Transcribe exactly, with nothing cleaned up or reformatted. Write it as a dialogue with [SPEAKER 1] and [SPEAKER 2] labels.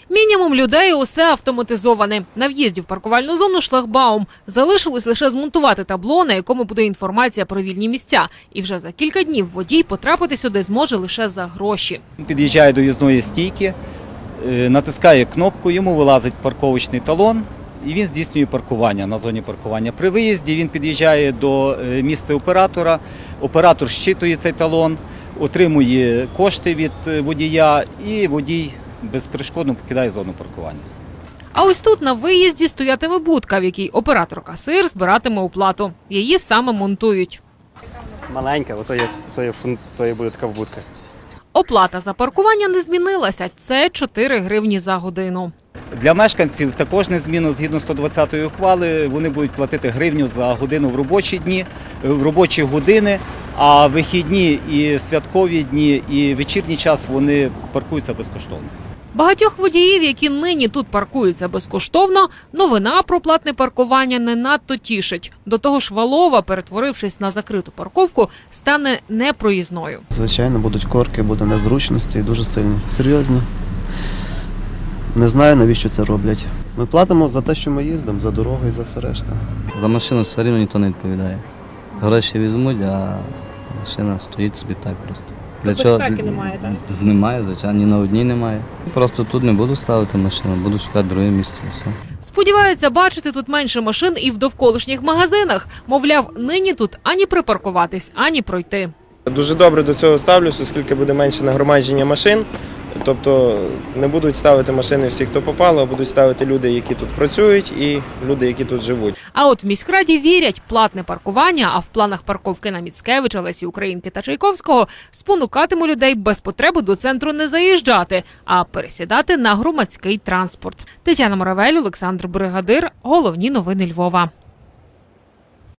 [SPEAKER 1] Мінімум людей, усе автоматизоване. На в'їзді в паркувальну зону шлагбаум. Залишилось лише змонтувати табло, на якому буде інформація про вільні місця. І вже за кілька днів водій потрапити сюди зможе лише за гроші.
[SPEAKER 2] Під'їжджає до в'їзної стійки, натискає кнопку, йому вилазить парковочний талон і він здійснює паркування на зоні паркування. При виїзді він під'їжджає до місця оператора, оператор щитує цей талон, отримує кошти від водія і водій безперешкодно покидає зону паркування.
[SPEAKER 1] А ось тут на виїзді стоятиме будка, в якій оператор-касир збиратиме оплату. Її саме монтують.
[SPEAKER 3] Маленька, ото є, то є, то є буде така будка.
[SPEAKER 1] Оплата за паркування не змінилася. Це чотири гривні за годину.
[SPEAKER 2] Для мешканців також незмінно, згідно сто двадцятої ухвали, вони будуть платити гривню за годину в робочі дні, в робочі години, а вихідні і святкові дні, і вечірній час вони паркуються безкоштовно.
[SPEAKER 1] Багатьох водіїв, які нині тут паркуються безкоштовно, новина про платне паркування не надто тішить. До того ж, Валова, перетворившись на закриту парковку, стане непроїзною.
[SPEAKER 4] Звичайно, будуть корки, буде незручності, дуже сильні, серйозні. Не знаю, навіщо це роблять. Ми платимо за те, що ми їздимо, за дорогу і за все решта.
[SPEAKER 5] За машину все рівно ніхто не відповідає. Гроші візьмуть, а машина стоїть собі так просто. Для
[SPEAKER 1] Безпеки
[SPEAKER 5] чого?
[SPEAKER 1] немає, так?
[SPEAKER 5] Немає, звичайно, ні на одній немає. Просто тут не буду ставити машину, буду шукати друге місце і все.
[SPEAKER 1] Сподіваються бачити тут менше машин і в довколишніх магазинах. Мовляв, нині тут ані припаркуватись, ані пройти.
[SPEAKER 6] Дуже добре до цього ставлюсь, оскільки буде менше нагромадження машин. Тобто не будуть ставити машини всі, хто попало, а будуть ставити люди, які тут працюють, і люди, які тут живуть.
[SPEAKER 1] А от в міськраді вірять, платне паркування, а в планах парковки на Міцкевича, Лесі Українки та Чайковського спонукатиме людей без потреби до центру не заїжджати, а пересідати на громадський транспорт. Тетяна Моравель, Олександр Бригадир. Головні новини Львова.